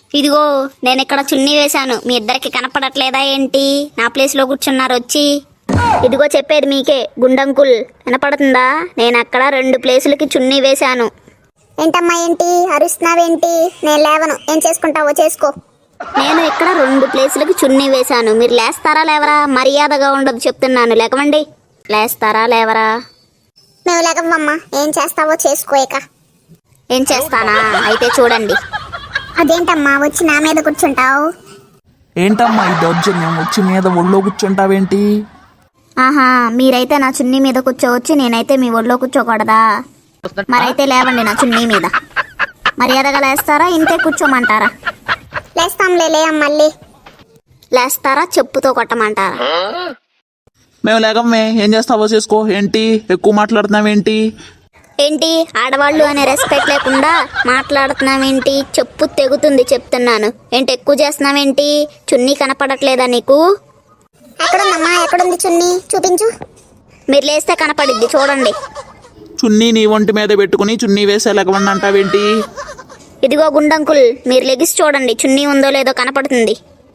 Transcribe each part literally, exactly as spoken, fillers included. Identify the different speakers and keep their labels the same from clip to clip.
Speaker 1: ఇదిగో నేను ఇక్కడ చున్నీ వేశాను, మీ ఇద్దరికి కనపడట్లేదా ఏంటి? నా ప్లేస్ లో కూర్చున్నారు వచ్చి. ఇదిగో చెప్పేది మీకే గుండంకుల్, వినపడుతుందా? నేను అక్కడ రెండు ప్లేసులకి చున్నీ వేశాను.
Speaker 2: ఏంటమ్మా ఏంటి అరుస్తున్నావేంటి? నేను లేవను, ఏం చేసుకుంటావో చేసుకో.
Speaker 1: నేను ఇక్కడ రెండు ప్లేసులకి చున్నీ వేశాను, మీరు లేస్తారా లేవరా? మర్యాదగా ఉండదు చెప్తున్నాను, లేకమండి. లేస్తారా లేవరా?
Speaker 2: మేము లేకమ్మా, ఏం చేస్తావో చేసుకో. ఇక
Speaker 1: ఏం చేస్తానా? అయితే చూడండి.
Speaker 2: అదేంటమ్మా వచ్చి నా మీద కూర్చుంటావు?
Speaker 3: ఏంటమ్మా ఈ దౌర్జన్యం? వచ్చి మీద ఒళ్ళో కూర్చుంటావేంటి?
Speaker 1: ఆహా, మీరైతే నా చున్నీ మీద కూర్చోవచ్చు, నేనైతే మీ ఒళ్ళో కూర్చోకూడదా? మరైతే లేవండి నా చున్నీ మీద. మర్యాదగా లేస్తారా, ఇంతే కూర్చోమంటారా?
Speaker 2: లేస్తాంలే, లే మళ్ళీ.
Speaker 1: లేస్తారా, చెప్పుతో కొట్టమంటారా?
Speaker 3: మేము లేకమ్మే, ఏం చేస్తావో చేసుకో. ఏంటి ఎక్కువ మాట్లాడుతున్నావేంటి?
Speaker 1: ఏంటి ఆడవాళ్ళు అనే రెస్పెక్ట్ లేకుండా మాట్లాడుతున్నావేంటి? చెప్పు తెగుతుంది చెప్తున్నాను. ఏంటి ఎక్కువ చేస్తున్నావేంటి? చున్నీ కనపడట్లేదా నీకు?
Speaker 2: ఎక్కడుందమ్మా, ఎక్కడుంది చున్నీ? చూపించు.
Speaker 1: మీరు లేస్తే కనపడిద్ది చూడండి.
Speaker 3: చున్నీ నీ ఒంటి మీద పెట్టుకుని చున్నీ వేసే లేకమండి అంటావేంటి?
Speaker 1: ఇదిగో గుండంకుల్, మీరు లెగిసి చూడండి, చున్నీ ఉందో లేదో కనపడుతుంది.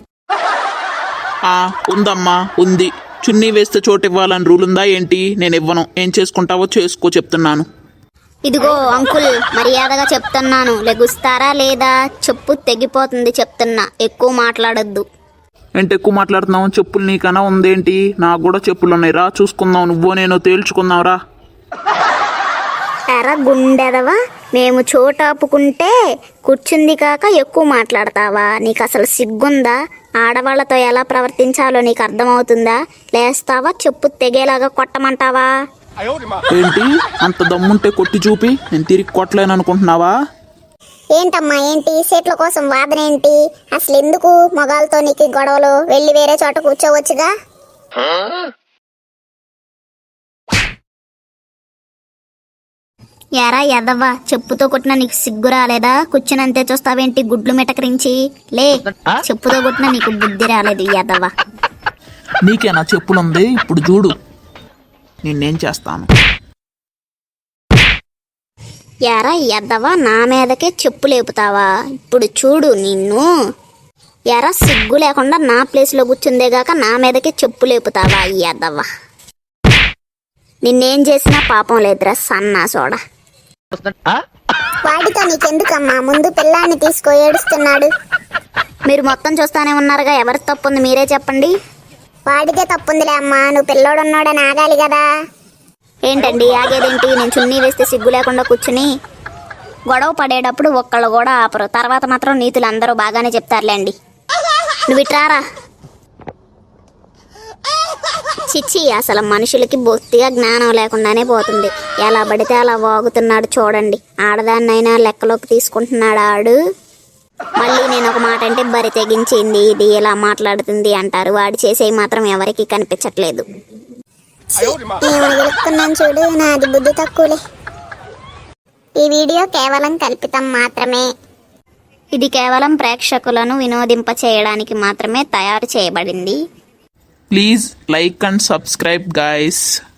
Speaker 3: ఆ ఉందమ్మా, ఉంది. చున్నీ వేస్తే చోటు ఇవ్వాలని రూల్ ఉందా ఏంటి? నేను ఇవ్వను, ఏం చేసుకుంటావో చేసుకో చెప్తున్నాను.
Speaker 1: ఇదిగో అంకుల్, మర్యాదగా చెప్తున్నాను, లెగుస్తారా లేదా? చెప్పు తెగిపోతుంది చెప్తున్నా, ఎక్కువ మాట్లాడొద్దు.
Speaker 3: ఏంటి ఎక్కువ మాట్లాడుతున్నావు? చెప్పులు నీకన్నా ఉందేంటి? నాకు కూడా చెప్పులు ఉన్నాయి, రా చూసుకుందాం. నువ్వో నేను తేల్చుకుందాం రా.
Speaker 1: ఎరా గుండెదవా, మేము చోటాపుకుంటే కూర్చుంది కాక ఎక్కువ మాట్లాడతావా? నీకు అసలు సిగ్గుందా? ఆడవాళ్లతో ఎలా ప్రవర్తించాలో నీకు అర్థమవుతుందా? లేస్తావా, చెప్పు తెగేలాగా కొట్టమంటావా?
Speaker 3: ఏంటి అంత దమ్ముంటే కొట్టి చూపి, నేను తిరిగి కొట్టలేను అనుకుంటున్నావా?
Speaker 2: ఏంటమ్మా ఏంటి సీట్ల కోసం వాదన ఏంటి? అసలు ఎందుకు మగాళ్ళతో నీకు గొడవలు? వెళ్ళి వేరే చోట కూర్చోవచ్చుగా.
Speaker 1: ఎరా ఎదవ్వా, చెప్పుతో కొట్టినా నీకు సిగ్గు రాలేదా? కూర్చునంతే చూస్తావేంటి గుడ్లు మిటకరించి? లే, చెప్పుతో కొట్టినా నీకు బుద్ధి రాలేదు ఎదవ్వా.
Speaker 3: నీకేనా చెప్పులుంది? ఇప్పుడు చూడు నిన్నేం చేస్తాను.
Speaker 1: ఎరా ఎద్దవా, నా మీదకే చెప్పు లేపుతావా? ఇప్పుడు చూడు నిన్ను. ఎరా సిగ్గు లేకుండా నా ప్లేస్లో కూర్చుందేగాక నా మీదకే చెప్పు లేపుతావా ఎద్దవా? నిన్నేం చేసినా పాపం లేదురా సన్నా సోడా.
Speaker 2: వాడితో నీకెందుకమ్మా, ముందు పిల్లాన్ని తీసుకో, ఏడుస్తున్నాడు.
Speaker 1: మీరు మొత్తం చూస్తానే ఉన్నారుగా, ఎవరి తప్పుంది మీరే చెప్పండి.
Speaker 2: వాడితే తప్పుందిలే అమ్మా, నువ్వు పిల్లోడున్నాడని ఆగాలి కదా.
Speaker 1: ఏంటండి ఆగేదేంటి? నేను చున్నీ వేస్తే సిగ్గు లేకుండా కూర్చుని గొడవ పడేటప్పుడు ఒక్కళ్ళు కూడా ఆపరు, తర్వాత మాత్రం నీతులు అందరూ బాగానే చెప్తారులేండి. నువ్వు ఇట్రారా. చిచ్చి, అసలు మనుషులకి బొత్తిగా జ్ఞానం లేకుండానే పోతుంది. ఎలా పడితే అలా వాగుతున్నాడు చూడండి. ఆడదాన్నైనా లెక్కలోకి తీసుకుంటున్నాడు ఆడు. మళ్ళీ నేను ఒక మాట అంటే బరి తెగించింది, ఇది ఇలా మాట్లాడుతుంది అంటారు. వాడు చేసేవి మాత్రం ఎవరికి కనిపించట్లేదు.
Speaker 2: వెళుతున్నాను చూడు, నాది బుద్ధి తక్కువలే. ఈ వీడియో కేవలం కల్పితం మాత్రమే.
Speaker 1: ఇది కేవలం ప్రేక్షకులను వినోదింప చేయడానికి మాత్రమే తయారు చేయబడింది.
Speaker 3: Please like and subscribe guys.